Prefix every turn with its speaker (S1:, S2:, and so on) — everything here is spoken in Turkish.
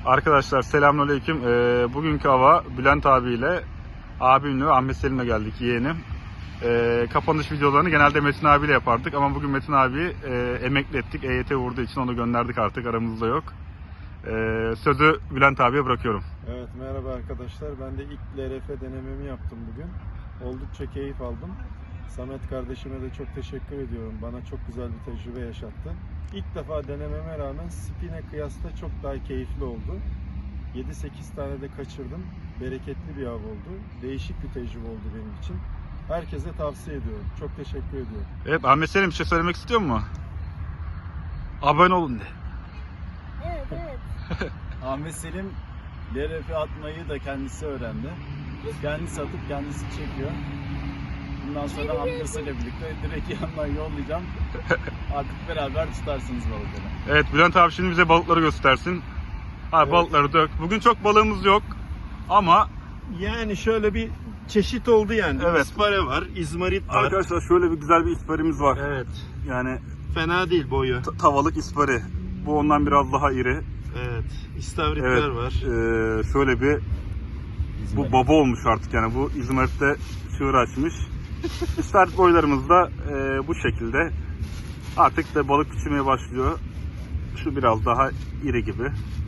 S1: Arkadaşlar selamünaleyküm. Bugünkü hava Bülent abiyle abimle Ahmet Selim'le geldik, yeğenim. Kapanış videolarını genelde Metin abiyle yapardık ama bugün Metin abi emekli ettik. EYT vurduğu için onu gönderdik, artık aramızda yok. Sözü Bülent abiye bırakıyorum.
S2: Evet, merhaba arkadaşlar. Ben de ilk LRF denememi yaptım bugün. Oldukça keyif aldım. Samet kardeşime de çok teşekkür ediyorum. Bana çok güzel bir tecrübe yaşattı. İlk defa denememe rağmen spin'e kıyasla çok daha keyifli oldu. 7-8 tane de kaçırdım. Bereketli bir av oldu. Değişik bir tecrübe oldu benim için. Herkese tavsiye ediyorum. Çok teşekkür ediyorum.
S1: Evet, Ahmet Selim bir şey söylemek istiyor mu? Abone olun de.
S3: Evet.
S4: Ahmet Selim LRF atmayı da kendisi öğrendi. Kendisi atıp kendisi çekiyor. Bundan sonra amcasıyla birlikte direkt yandan yollayacağım. Artık beraber tutarsınız balıkları.
S1: Evet, Bülent abi şimdi bize balıkları göstersin.
S2: Evet.
S1: Balıkları dök. Bugün çok balığımız yok ama
S2: Yani şöyle bir çeşit oldu yani.
S1: Evet.
S2: İspare var, izmarit var.
S1: arkadaşlar şöyle bir güzel bir isparimiz var.
S2: Evet.
S1: Yani
S2: Fena değil boyu.
S1: tavalık ispari. Bu ondan biraz daha iri.
S2: Evet. İstavritler
S1: Evet.
S2: var.
S1: Şöyle bir bu baba olmuş artık, yani bu İzmir'de çığır açmış. İstavrit boylarımız da bu şekilde. Artık da balık küçülmeye başlıyor. Şu biraz daha iri gibi.